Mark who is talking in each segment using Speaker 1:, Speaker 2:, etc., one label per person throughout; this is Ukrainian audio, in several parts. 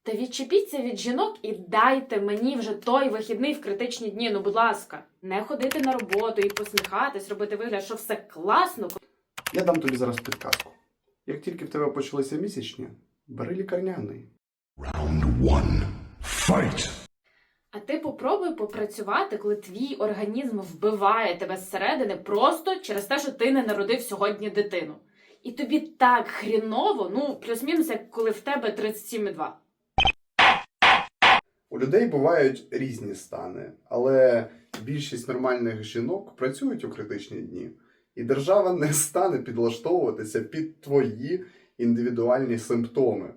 Speaker 1: Та відчепіться від жінок і дайте мені вже той вихідний в критичні дні, ну будь ласка. Не ходити на роботу і посміхатись, робити вигляд, що все класно.
Speaker 2: Я дам тобі зараз підказку. Як тільки в тебе почалися місячні, бери лікарняний.
Speaker 3: Round one. Fight!
Speaker 1: А ти попробуй попрацювати, коли твій організм вбиває тебе зсередини просто через те, що ти не народив сьогодні дитину. І тобі так хріново, ну, плюс-мінус, як коли в тебе 37,2.
Speaker 2: У людей бувають різні стани, але більшість нормальних жінок працюють у критичні дні. І держава не стане підлаштовуватися під твої індивідуальні симптоми.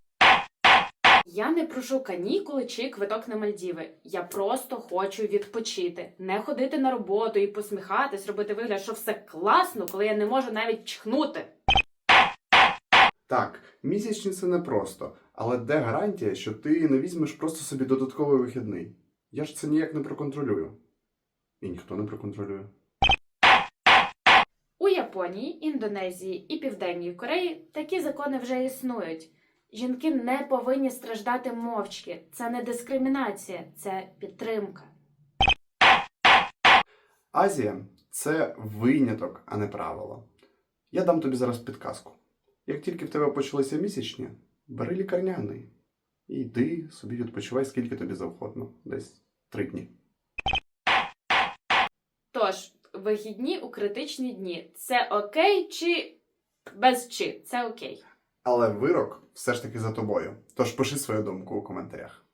Speaker 1: Я не прошу канікули чи квиток на Мальдіви. Я просто хочу відпочити. Не ходити на роботу і посміхатись, робити вигляд, що все класно, коли я не можу навіть чхнути.
Speaker 2: Так, місячні це непросто, але де гарантія, що ти не візьмеш просто собі додатковий вихідний? Я ж це ніяк не проконтролюю. І ніхто не проконтролює.
Speaker 1: У Японії, Індонезії і Південній Кореї такі закони вже існують. Жінки не повинні страждати мовчки. Це не дискримінація, це підтримка.
Speaker 2: Азія – це виняток, а не правило. Я дам тобі зараз підказку. Як тільки в тебе почалися місячні, бери лікарняний. І йди собі відпочивай, скільки тобі завгодно. Десь 3 дні.
Speaker 1: Тож, вихідні у критичні дні – це окей чи без чи? Це окей.
Speaker 2: Але вирок все ж таки за тобою. Тож пиши свою думку у коментарях.